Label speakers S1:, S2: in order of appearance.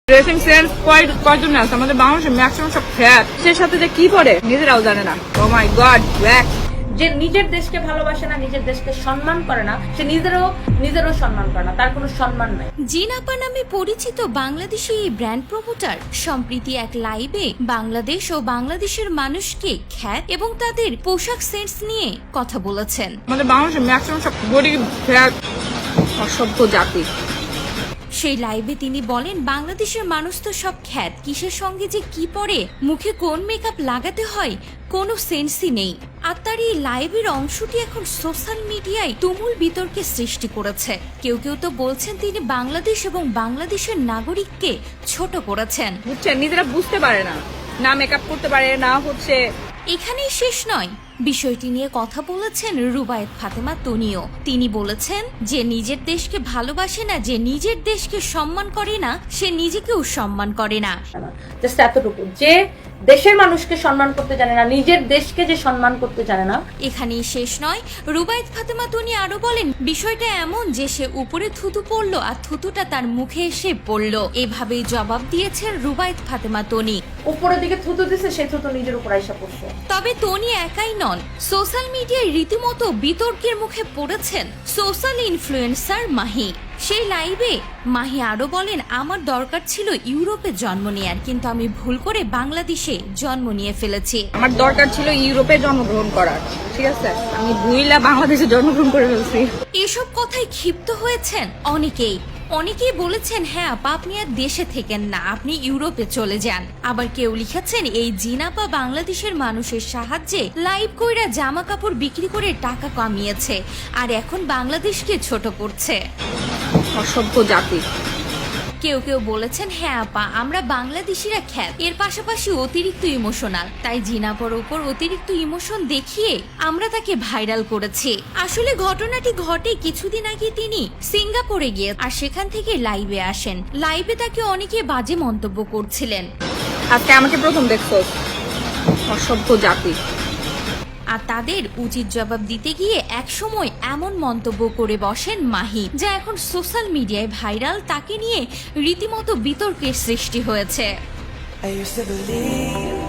S1: Dressing sense কয়জন আছে আমাদের বাংলাদেশে? ম্যাক্সিমাম সব ফ্যাট। সে সাথে যে কি পরে নিজেরাও জানে না। Oh my God, black.
S2: যে নিজের দেশকে ভালোবাসে না, নিজের দেশকে সম্মান করে না, সে নিজেরও সম্মান করে না, তার কোনো সম্মান নাই।
S3: জিন আপা নামে পরিচিত বাংলাদেশি এই ব্র্যান্ড প্রমোটার সম্প্রতি এক লাইভে বাংলাদেশ ও বাংলাদেশের মানুষকে খ্যাত এবং তাদের পোশাক সেন্স নিয়ে কথা বলেছেন।
S1: আমাদের বাংলাদেশে ম্যাক্সিমাম সব গরিব, ফ্যাট, অসভ্য জাতি।
S3: সেই লাইভে তিনি বলেন, বাংলাদেশের মানুষ তো সব খ্যাত, কিসের সঙ্গে যে কি পরে, মুখে কোন মেকআপ লাগাতে হয় কোনো সেন্সই নেই। আর তার এই লাইভের অংশটি এখন সোশ্যাল মিডিয়ায় তুমুল বিতর্কের সৃষ্টি করেছে। কেউ কেউ তো বলছেন তিনি বাংলাদেশ এবং বাংলাদেশের নাগরিককে ছোট করেছেন।
S1: বুঝছেন, নিজেরা বুঝতে পারে না, না মেকআপ করতে পারে না। হচ্ছে
S3: এখানেই শেষ নয়, বিষয়টি নিয়ে কথা বলেছেন রুবায়েত ফাতেমা তনিও। তিনি বলেছেন যে নিজের দেশকে ভালোবাসে না, যে নিজের দেশকে সম্মান করে না, সে নিজেকেও সম্মান করে না।
S2: জাস্ট এতটুকু, যে দেশের মানুষকে সম্মান করতে জানে না, নিজের দেশকে যে সম্মান করতে জানে না।
S3: এখানেই শেষ নয়, রুবায়েত ফাতেমা তনি আরো বলেন, বিষয়টা এমন যে সে উপরে থুতু পড়লো আর থুতুটা তার মুখে এসে পড়লো। এভাবেই জবাব দিয়েছেন রুবায়েত ফাতেমা তনি।
S2: উপরের দিকে থুতু দিছে, সে থুতু নিজের উপর আইসা পড়ছে।
S3: তবে তনি একাই নন, সোশ্যাল মিডিয়ায় রীতিমতো বিতর্কের মুখে পড়েছেন সোশ্যাল ইনফ্লুয়েন্সার মাহি। সেই লাইভে মাহি আরো বলেন, আমার দরকার ছিল ইউরোপে জন্ম নেয়ার, কিন্তু আমি ভুল করে বাংলাদেশে জন্ম নিয়ে ফেলেছি।
S1: আমার দরকার ছিল ইউরোপে জন্মগ্রহণ করার, ঠিক আছে, আমি ভুইলা বাংলাদেশে জন্মগ্রহণ করে ফেলছি।
S3: এসব কথায় ক্ষিপ্ত হয়েছেন অনেকেই বলেছেন, হ্যাঁ আপা, আপনি আর দেশে থেকেন না, আপনি ইউরোপে চলে যান। আবার কেউ লিখেছেন, এই জিনাপা বাংলাদেশের মানুষের সাহায্যে লাইভ কইরা জামা কাপড় বিক্রি করে টাকা কামিয়েছে, আর এখন বাংলাদেশকে ছোট করছে।
S1: অসভ্য জাতি।
S3: কেউ কেউ বলেছেন, হ্যাঁ আপা, আমরা বাংলাদেশিরা খ্যাত, এর পাশাপাশি অতিরিক্ত ইমোশনাল, তাই জিনাপার ওপর অতিরিক্ত ইমোশন দেখিয়ে আমরা তাকে ভাইরাল করেছি। আসলে ঘটনাটি ঘটে কিছুদিন আগে তিনি সিঙ্গাপুরে গিয়ে আর সেখান থেকে লাইভে আসেন। লাইভে তাকে অনেকে বাজে মন্তব্য করছিলেন।
S1: আজকে আমাকে প্রথম দেখছো, অসভ্য জাতি।
S3: আর তাদের উচিত জবাব দিতে গিয়ে একসময় এমন মন্তব্য করে বসেন মাহি, যা এখন সোশ্যাল মিডিয়ায় ভাইরাল। তাকে নিয়ে রীতিমতো বিতর্কের সৃষ্টি হয়েছে।
S4: I used to believe